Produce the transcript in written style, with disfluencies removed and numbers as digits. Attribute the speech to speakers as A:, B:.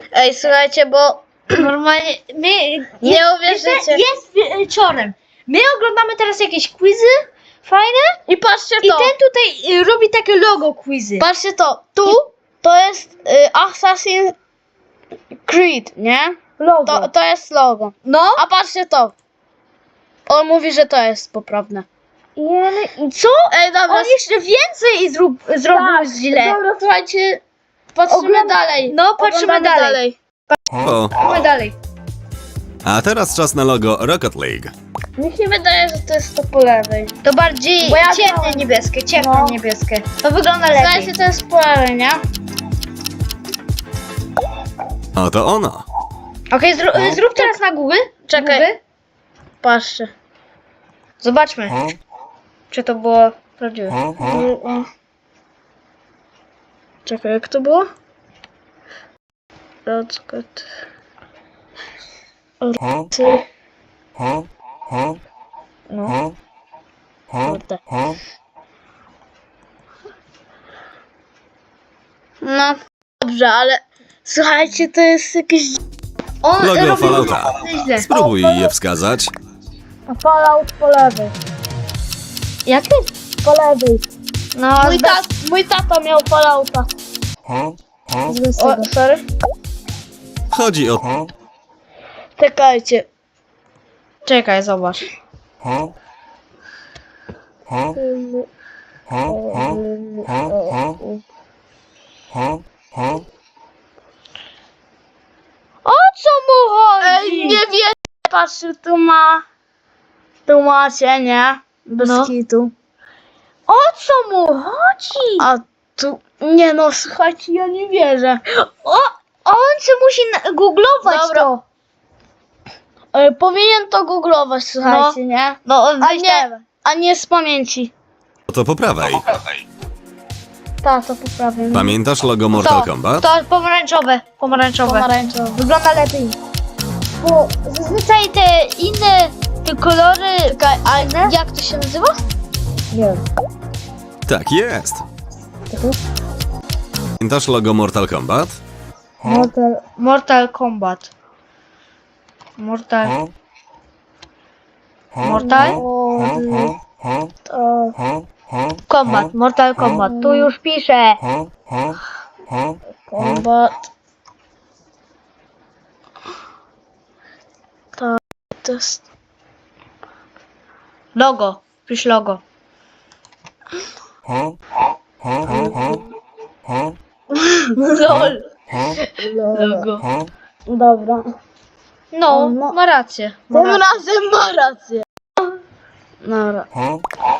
A: Ej, słuchajcie, bo
B: Normalnie,
A: nie uwierzycie.
B: Jest wieczorem. My oglądamy teraz jakieś quizy fajne
A: I patrzcie
B: i
A: to.
B: ten tutaj robi takie logo quizy.
A: Patrzcie to. Tu to jest Assassin's Creed, nie?
B: Logo.
A: To jest logo.
B: No.
A: A patrzcie to. On mówi, że to jest poprawne.
B: I co?
A: Ej, dobra.
B: On jeszcze więcej zrobił źle.
A: Dobra, słuchajcie. Patrzymy dalej.
B: No, patrzymy
A: Oglądamy
B: dalej.
C: O,
B: Chodźmy dalej.
C: a teraz czas na logo Rocket League.
A: Mi się wydaje, że to jest to po lewej.
B: To bardziej
A: Bo ja
B: ciemne
A: miałam-
B: niebieskie, ciemne
A: No.
B: niebieskie. To wygląda lepiej.
A: Słuchajcie, to jest po lewej, nie?
C: Oto ono.
B: Okej, zrób teraz na Google.
A: Czekaj.
B: Google.
A: Patrzcie.
B: Zobaczmy, czy to było prawdziwe.
A: Czekaj, jak to było? Rocket.
B: No.
A: Kurde. No, dobrze, ale słuchajcie, to jest jakieś...
B: On
C: Logo
B: robi
C: Fallouta.
B: źle.
C: Spróbuj je wskazać.
A: Fallout po lewej.
B: Jaki?
A: Po lewej.
B: No,
A: Mój tata miał Fallouta. O, sorry.
C: Chodzi o...
A: Czekajcie.
B: Czekaj, zobacz. O co mu chodzi?
A: Ej, nie wiem. Patrzcie, tu macie, nie? Bez
B: No.
A: kitu.
B: O co mu chodzi?
A: A tu... Nie no, słuchajcie, ja nie wierzę.
B: On się musi googlować
A: Dobra.
B: to.
A: Powinien to googlować, słuchajcie, nie?
B: No, on
A: A nie z pamięci.
C: To po prawej.
A: Tak, to poprawię.
C: Pamiętasz logo Mortal Kombat?
B: To pomarańczowe.
A: Pomarańczowy.
B: Wygląda lepiej. Bo zazwyczaj te inne te kolory.
A: Czekaj, a jak to się nazywa?
B: Nie wiem.
C: Tak jest. Pamiętasz logo Mortal Kombat?
B: Mortal Kombat. Mortal. Kombat. Mortal Kombat. Tu już piszę.
A: Kombat. To jest...
B: Logo. Pisz logo.
A: LOL.
B: Logo.
A: Dobra.
B: No, ma rację.
A: Tym razem ma rację. Dobra.